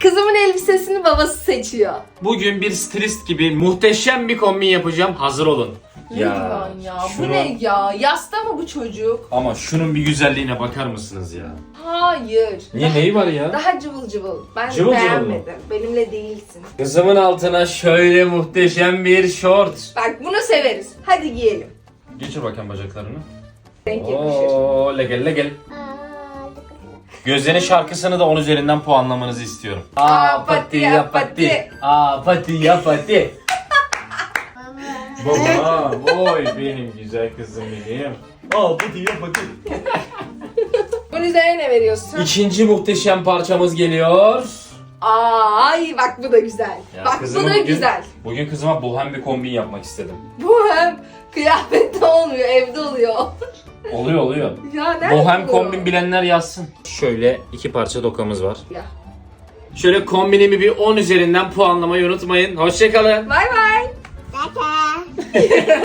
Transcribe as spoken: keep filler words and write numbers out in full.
Kızımın elbisesini babası seçiyor. Bugün bir stilist gibi muhteşem bir kombin yapacağım. Hazır olun. Ya, ya şunu- bu ne ya? Yasta mı bu çocuk? Ama şunun bir güzelliğine bakar mısınız ya? Hayır. Niye, neyi var ya? Daha cıvıl cıvıl. Ben Cıvıl cıvıl mı? beğenmedim. Benimle değilsin. Kızımın altına şöyle muhteşem bir şort. Bak bunu severiz. Hadi giyelim. Geçir bakayım bacaklarını. Renk yakışır. Oo, legel legel. Gözlerin şarkısını da on üzerinden puanlamanızı istiyorum. Aa, pati ya, pati. Aa, pati ya pati. Baba, oy benim güzel kızım benim. Aa, pati ya pati. Bunun üzerine ne veriyorsun? İkinci muhteşem parçamız geliyor. Aa, ay bak bu da güzel. Ya bak bu kızıma da bugün- güzel. Bugün kızıma bohem bir kombin yapmak istedim. Bu hem kıyafette olmuyor, evde oluyor. Oluyor oluyor. Ya nerede Bohem oluyor? kombin bilenler yazsın. Şöyle iki parça dokamız var. Ya. Şöyle kombinimi bir on üzerinden puanlamayı unutmayın. Hoşçakalın. Bay bay. Bye bye.